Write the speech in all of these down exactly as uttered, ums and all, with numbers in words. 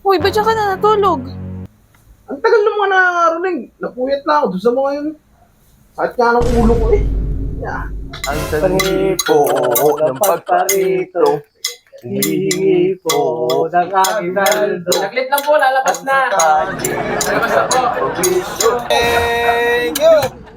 Uy, ba't siya ka na natulog? Ang tagal ng mga nangangaroling. Napuyat na ako doon sa mga yun. Sakit nga ng ulo ko eh. Yeah. Ang sanhipo ng pagparito, hihingi po ng aking saldo. Saglit lang po, lalabas na. Lalabas na po. Thank you!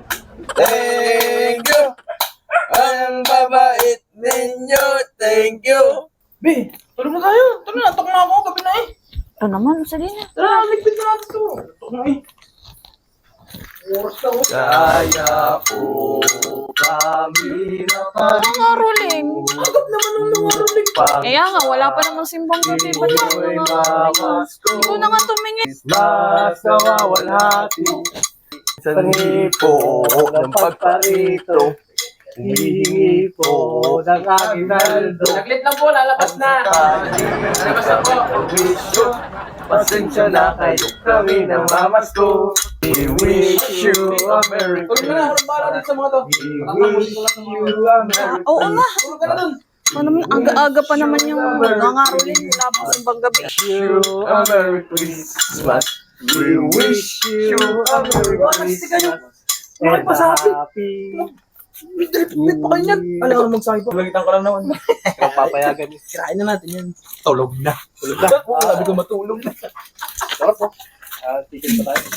Thank you! Ang babait ninyo, thank you! Be, tulog na tayo. Tara na, atok na ako. Gabi na eh. Ito naman, sige na. Tara, ligpit na natin ito. Atok na eh. Oras na oh. Kaya po kami na Nangaroling. Agad naman ng nangangaroling. Kaya nga, wala pa namang simbang gabi. Ba't siya ka Pag-iwa'y nangaroling? mamasko, Ikaw na nga tumingin. mas nawawalhati. Sanhipo ng pagparito, hihingi po ng aking saldo. Saglit lang po, lalabas na. Lalabas na po. Wisyo, pasensya na kayo kami ng mamasko. We wish you a Merry Tulog na na, Christmas. harap bala din sa mga to. We wish you a Merry Oo nga. Tulog ka na dun. Ano naman, aga-aga pa naman yung nangaroling. Wala pa simbang gabi. you a Merry Christmas. We wish you a Merry Christmas. Bakit pa sabi? happy. Bit pa kayo yan. Alam ka magsabi pa. Lagitan ko lang naman. Papayagan niyo. Kirain na natin yan. Tulog na. Tulog na. Oo, sabi ko matulog na. Sarap po. Ah, ticket pa tayo.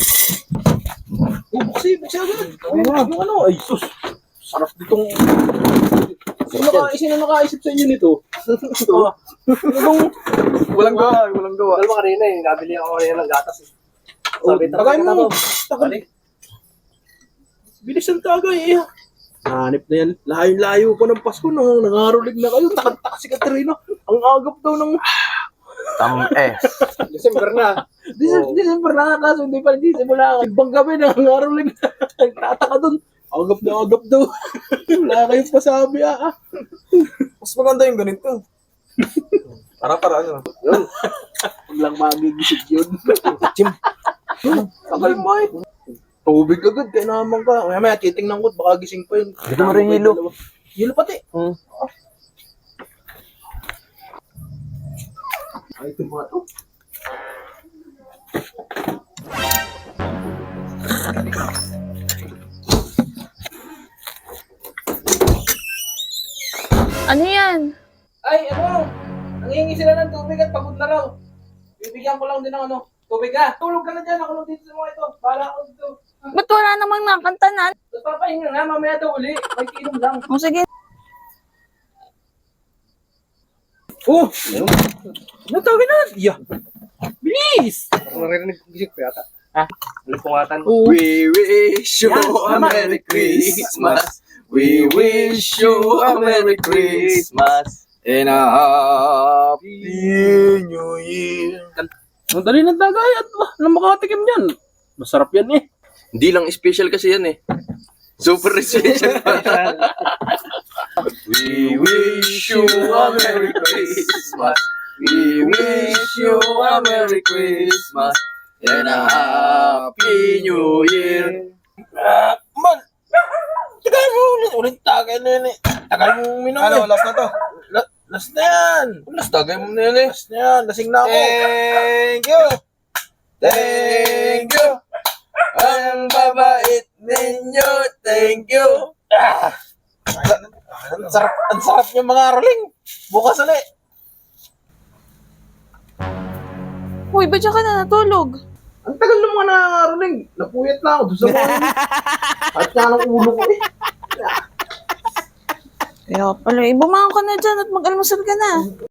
Oh, buksi, buksi agad. Yung ano, ay sus. Sarap ditong... Sino naka, sino nakaisip sa inyo nito? Itong... Walang gawa, walang gawa. Alam mo kanina eh, nabili ako kanina ng gatas eh. Oh, Sabi, tagay "Tara, mo. tara, Tagay. Bilis ang tagay eh. Hanip na yan. Layo-layo ko ng Pasko nung nangarolig na kayo. Takanta si Katrina. Ang agap daw ng... Tam-es. December na. December, December na nga kaso hindi pa nagsisimula ka. Ibang gabi nangarolig na. Nagtataka dun. Agap na agap daw. Wala kayong pasabi ah. Mas maganda yung ganito. Para para ano. Yun. Huwag lang magigisip yun. Chim. Tagal mo eh. Tubig agad, kaya naman ka. Maya maya, titingnan ko, baka gising pa yun. Dito mo rin hilo. Hilo pati. Hmm. Ay, ito mga to. Ano yan? Ay, ano? Nangingi sila ng tubig at pagod na raw. Bibigyan ko lang din ng ano, tubig ha. Tulog ka na dyan, ako lang dito sa mga ito. Bahala ako dito. Ba't wala namang nakanta na? Tapos papahinga nga, mamaya daw uli. May kinom lang. O sige. Oh! Natawin na! Yeah! Bilis! Maririnig ko gisip ko yata. Ha? Malipungatan. Oo. We wish you Yan, a tama. Merry Christmas. We wish you a Merry Christmas. And a Happy New Year. Ang dali ng tagay at wah, na makatikim yan. Masarap yan eh. Hindi lang special kasi yan eh. Super special pa. We wish you a Merry Christmas. We wish you a Merry Christmas. And a Happy New Year. Ah, man! Tagay mo ulit. Ulit tagay na yan eh. Tagay mo minom Ano, eh. last na to? La- last na yan. Last tagay mo na yan eh. Last na yan. Lasing na ako. Thank you! Thank you! Ang babait ninyo, thank you! Ang sarap, ang sarap yung mga roling. Bukas ulit. Uy, ba't siya ka na natulog? Ang tagal ng mga nangangaroling. Napuyat na ako doon sa mga yun. At nga ng ulo ko eh. Kaya pala, eh, bumangon ka na dyan at mag-almusal ka na.